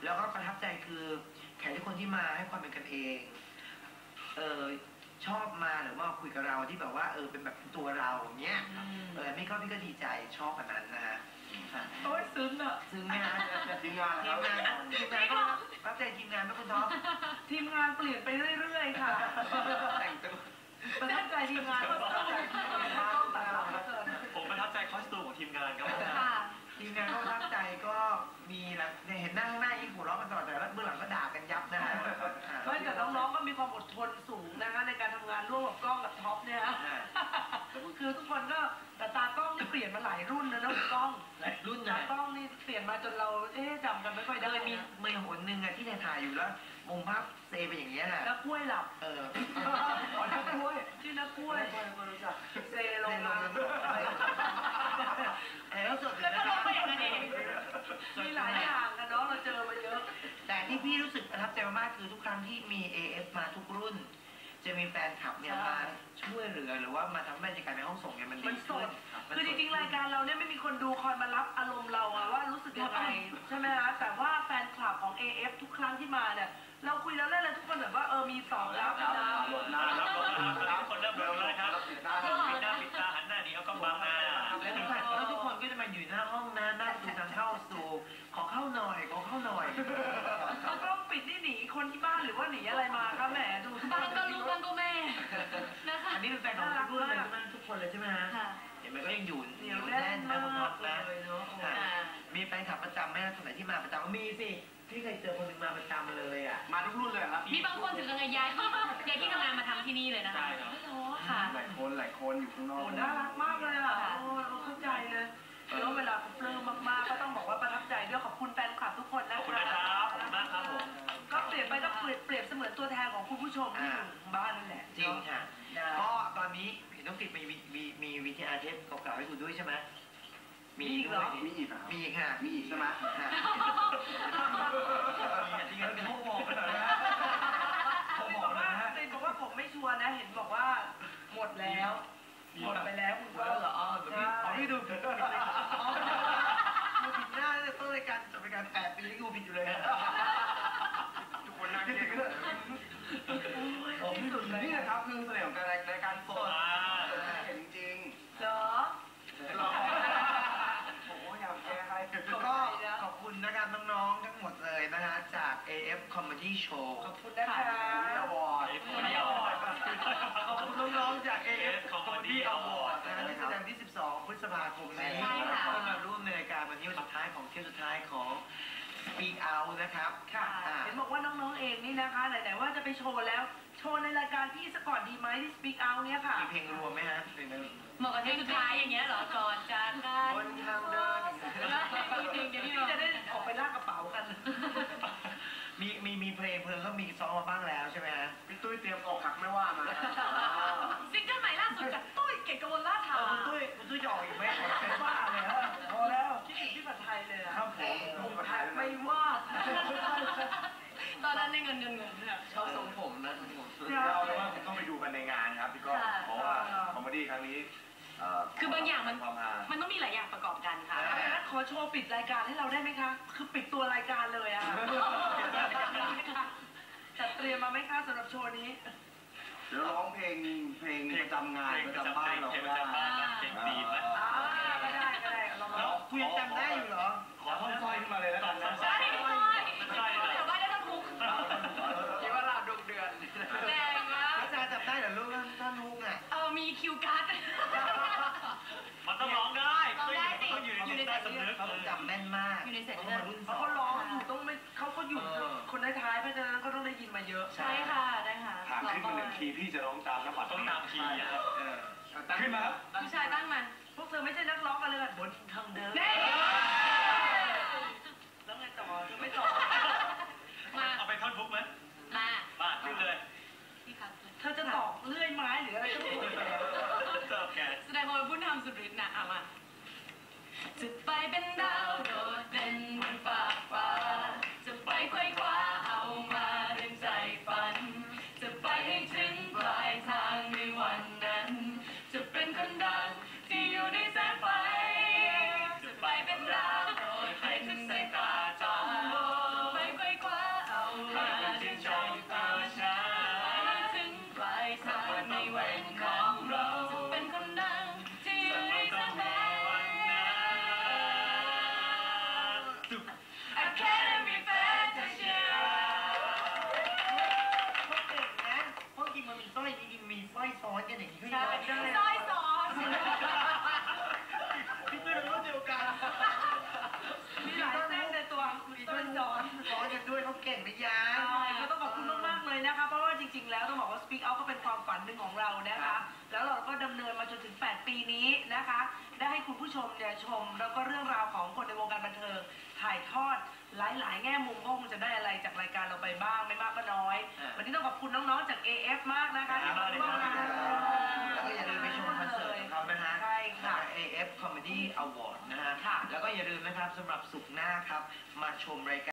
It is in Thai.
แล้วก็ประทับใจคือแขกทุกคนที่มาให้ความเป็นกันเองชอบมาหรือว่าคุยกับเราที่แบบว่าเป็นแบบตัวเราเนี้ยพี่ก็ดีใจชอบแบบนั้นนะฮะโอ้ยซึ้งอะซึ้งไหมฮะทีมงานก็รับใจทีมงานไม่คุณท็อปทีมงานเปลี่ยนไปเรื่อยๆค่ะแต่งตัวประทับใจทีมงานผมประทับใจคอสตูมของทีมงานครับทีมงานก็ประทับใจก็มีนะเห็นหน้าข้างหน้ายิ่งหัวเราะกันตลอดแต่เบื้องหลังก็ด่ากันยับนะฮะแต่น้องๆก็มีความอดทนสูงนะคะในการทำงานร่วมกับกล้องกับท็อปเนี่ยฮะคือทุกคนก็แต่ตากล้องนี่เปลี่ยนมาหลายรุ่นนะน้องกล้องหลายรุ่นตากล้องนี่เปลี่ยนมาจนเราจำกันไม่ค่อยได้มีหนหนึ่งอะที่ถ่ายอยู่แล้วมุมภาพเซไปอย่างเงี้ยนะนักกล้วยหลับนักกล้วยชื่อนักกล้วยเซลงมาแล้วสดแล้วก็ลงไปอย่างนั้นเองมีหลายอย่างกันเนาะเราเจอมาเยอะแต่ที่พี่รู้สึกประทับใจมากคือทุกครั้งที่มี AF มาทุกรุ่นจะมีแฟนคลับเนี่ยมาช่วยเหลือหรือว่ามาทำให้บรรยากาศในห้องส่งเนี่ยมันดีขึ้นคือจริงๆรายการเราเนี่ยไม่มีคนดูคอยมารับอารมณ์เราว่ารู้สึกยังไงใช่ไหมคะแต่ว่าแฟนคลับของ AF ทุกครั้งที่มาเนี่ยเราคุยแล้วเล่นเลยทุกคนแบบว่ามีตอบรับนะทุกคนเริ่มรู้แล้วครับปิดตาหันหน้าหนีเอากล้องบังหน้าแล้วทุกคนก็จะมาอยู่หน้าห้องนะหน้าประตูทางเข้าสู่ขอเข้าหน่อยเขาก็ปิดนี่หนีคนที่บ้านหรือว่าหนีอะไรมาครับแหมดูบ้านก็ลูกบ้านก็แม่นะคะอันนี้เป็นแฟนของทุกรุ่นเลยทุกคนเลยใช่ไหมฮะเห็นไหมก็ยังอยู่แน่นนะคุณท็อปนะมีแฟนคลับประจำไหมคนไหนที่มาประจำมีสิพี่เคยเจอคนหนึ่งมาประจำเลยอ่ะมาทุกรุ่นเลยครับมีบางคนถึงกับย้ายที่ทำงานมาทำที่นี่เลยนะคะค่ะหลายคนอยู่ข้างนอกน่ารักมากเลยอ่ะเราเข้าใจเลยแล้วเวลาเขาเปลื้มมากๆก็ต้องบอกว่าประทับใจด้วยขอบคุณแฟนคลับทุกคนนะคะขอบคุณนะครับขอบคุณมากครับผมก็เปลี่ยนไปก็เปรียบเสมือนตัวแทนของคุณผู้ชมที่อยู่บ้านนั่นแหละจริงค่ะก็ตอนนี้เห็นต้องติดมีวิทยาเทปเก่าๆให้คุณด้วยใช่ไหมมีอีกเหรอมีอีกค่ะมีอีกใช่ไหมจริงๆเป็นพวกบอกกันเลยนะติดบอกว่าผมไม่ชัวร์นะเห็นบอกว่าหมดแล้วหมดไปแล้วคุณก็เหรอพี่ดูผิดหน้าเลยต้นรายการจบรายการ8 ปีที่กูผิดอยู่เลยทุกคนนั่งเรียกกันที่สุดเลยนี่นะครับคือเสน่ห์ของรายการสดเห็นจริงเหรออยากแก้ให้ก็ขอบคุณนะครับน้องๆทั้งหมดเลยนะฮะจาก AF Comedy Show ขอบคุณนะคะขอบคุณน้องๆจาก AF Comedy Award นะฮะที่แสดงที่12 พฤษภาคมนี้ก็มาร่วมในรายการวันนี้วันสุดท้ายของเที่ยวสุดท้ายของ Speak Out นะครับค่ะเห็นบอกว่าน้องๆเองนี่นะคะไหนๆว่าจะไปโชว์แล้วโชว์ในรายการพี่สก่อนดีไหมที่ Speak Out เนี่ยค่ะมีเพลงรวมไหมฮะเหมาะกับเพลงสุดท้ายอย่างเงี้ยเหรอก่อนจากกันบนทางเดินเดี๋ยวพี่จะได้ออกไปลากกระเป๋ากันมีเพลงเขามีซ้อมมาบ้างแล้วใช่ไหมฮะพี่ตุ้ยเตรียมอกหักไม่ว่ามาซิงเกิลใหม่ล่าสุดจากตุ้ยเกตกมลราชาคุณตุ้ยจะออกอีกไหมเป็นว่าเลยฮะพอแล้วคิดถึงพี่ผัดไทยเลยครับผมผัดไทยไม่ว่าตอนนั้นในเงินเนี่ยชอบทรงผมนะเราเลยว่าต้องไปดูกันในงานครับพี่ก้องเพราะว่าคอมเมดี้ครั้งนี้คือบางอย่างมันต้องมีหลายอย่างประกอบกันค่ะขอโชว์ปิดรายการให้เราได้ไหมคะคือปิดตัวรายการเลยอะจัดเตรียมมาไหมคะสำหรับโชว์นี้เดี๋ยวร้องเพลงประจำงานประจำบ้านเราเพลงดีไหมก็ได้เราคุยจำได้อยู่เหรอขอท่อนสร้อยขึ้นมาเลยแล้วกันนะใช่เดี๋ยวได้ท่อนฮุกคิดว่าเราดุเดือดแรงมากอาจารย์จำได้เหรอลูกท่อนฮุกอ่ะมีคิวการ์ดมันต้องร้องได้สิอยู่ในใต้สำนึกเขาจำแม่นมากอยู่ในเสร็จเขามารุ่นเขาร้องอยู่ต้องไม่เขาอยู่คนท้ายเพราะฉะนั้นก็ต้องได้ยินมาเยอะใช่ค่ะได้ค่ะถามขึ้นมา1 คีย์พี่จะร้องตามนะปัดต้องตามคีย์ครับขึ้นมาครับผู้ชายตั้งมันพวกเธอไม่ใช่นักร้องกันเลยบนทางเดินแล้วไงต่อเธอไม่ต่อมาเอาไปท่อนฮุกไหมมาขึ้นเลยเธอจะตอกเลื่อยไม้หรืออะไรก็ไม่รู้แสดงความเป็นผู้นำสุดฤทธิ์นะเอามาจะไปเป็นดาวโดดเด่นบนฟ้าจะไปไขว้คว้าเอามาดึงใจฝันจะไปให้ถึงปลายทางในวันนั้นจะเป็นคนดังที่อยู่ในแสงไฟจะไปเป็นดาวโดดเด่นสายตาจ้องไปเราเก่งนะยาใช่ก็ต้องขอบคุณมากๆเลยนะคะเพราะว่าจริงๆแล้วต้องบอกว่า Speak Out ก็เป็นความฝันหนึ่งของเรานะคะแล้วเราก็ดำเนินมาจนถึง8 ปีนี้นะคะได้ให้คุณผู้ชมเนี่ยชมแล้วก็เรื่องราวของคนในวงการบันเทิงถ่ายทอดหลายๆแง่มุมก็คงจะได้อะไรจากรายการเราไปบ้างไม่มากก็น้อยวันนี้ต้องขอบคุณน้องๆจาก AF มากนะคะที่มาร่วมงานแล้วก็อย่าลืมไปชมคอนเสิร์ตของเขานะฮะใช่ค่ะ AF Comedy Award นะฮะค่ะแล้วก็อย่าลืมนะครับสำหรับศุกร์หน้าครับมาชมรายการ